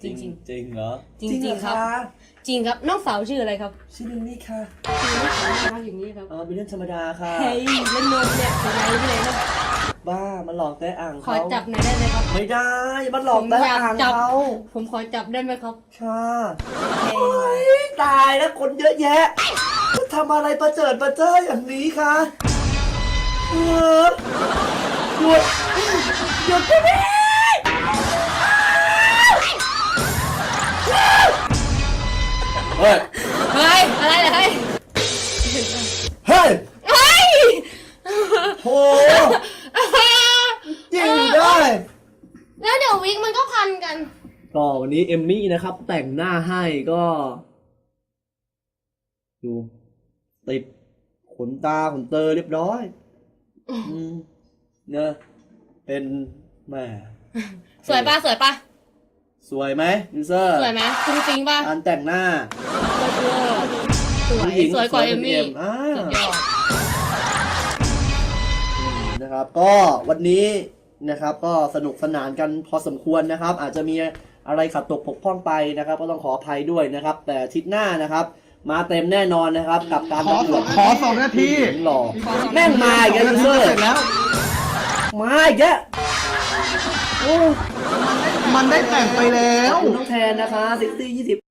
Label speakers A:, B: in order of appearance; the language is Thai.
A: จริง
B: จริงเหรอ
A: จริงครับจริงครับน้องสาวชื่ออะไรครับ
B: ชื่อลิลลี่ค่ะ
A: ชื่อน้องสาวน่ารักอย่างนี้ครับ
B: เป็นเรื่องธรรมดาค่ะ
A: เฮ้ยเล่นนมเนี่ยเป็นไงที่ไหนครับ
B: บ้ามันหลอกแต่อ่าง
A: ขอ
B: เขา
A: จับหน่อยได้ไหมครับ
B: ไม่ได้มันหลอกแต่อ่างเขา
A: ผมขอจับได้ไหมครับ
B: ค่ะโอ้ยตายแล้วคนเยอะแยะทำอะไรประเจิดประเจ้ออย่างนี้คะหยุดหยุดไปดิเฮ้ย
A: เฮ้ยอะไรเหรอเฮ้ย
B: เฮ้ย
A: เฮ้ย
B: โหยิงได้
A: แล้วเดี๋ยววิกมันก็พันกัน
B: ก็วันนี้เอมมี่นะครับ แต่งหน้าให้ก็ดูติดขนตาขนเตอเรียบร้อยเนี่ยเป็นแม่
A: สวยปะสวยปะ
B: สวยไหมยูเซอร์
A: สวยไหมจริงปะ
B: การแต่งหน้า
A: สวยสวยกว่าเอมมี่
B: อ่า
A: สุดยอด
B: นะครับ ก็วันนี้นะครับก็สนุกสนานกันพอสมควรนะครับ อาจจะมีอะไรขัดตกบกพร่องไปนะครับ ก็ต้องขออภัยด้วยนะครับ แต่อาทิตย์หน้านะครับ มาเต็มแน่นอนนะครับ กับการประกวด
C: ขอ2 นาที
B: หล่อแม่งมาอีกแล้วยูเซอร์
C: เสร็จแล้ว
B: มาอีกแล้วโอ้
C: มันได้แต่งไปแล้ว
B: ขอบคุณน้องแทนนะคะ60-20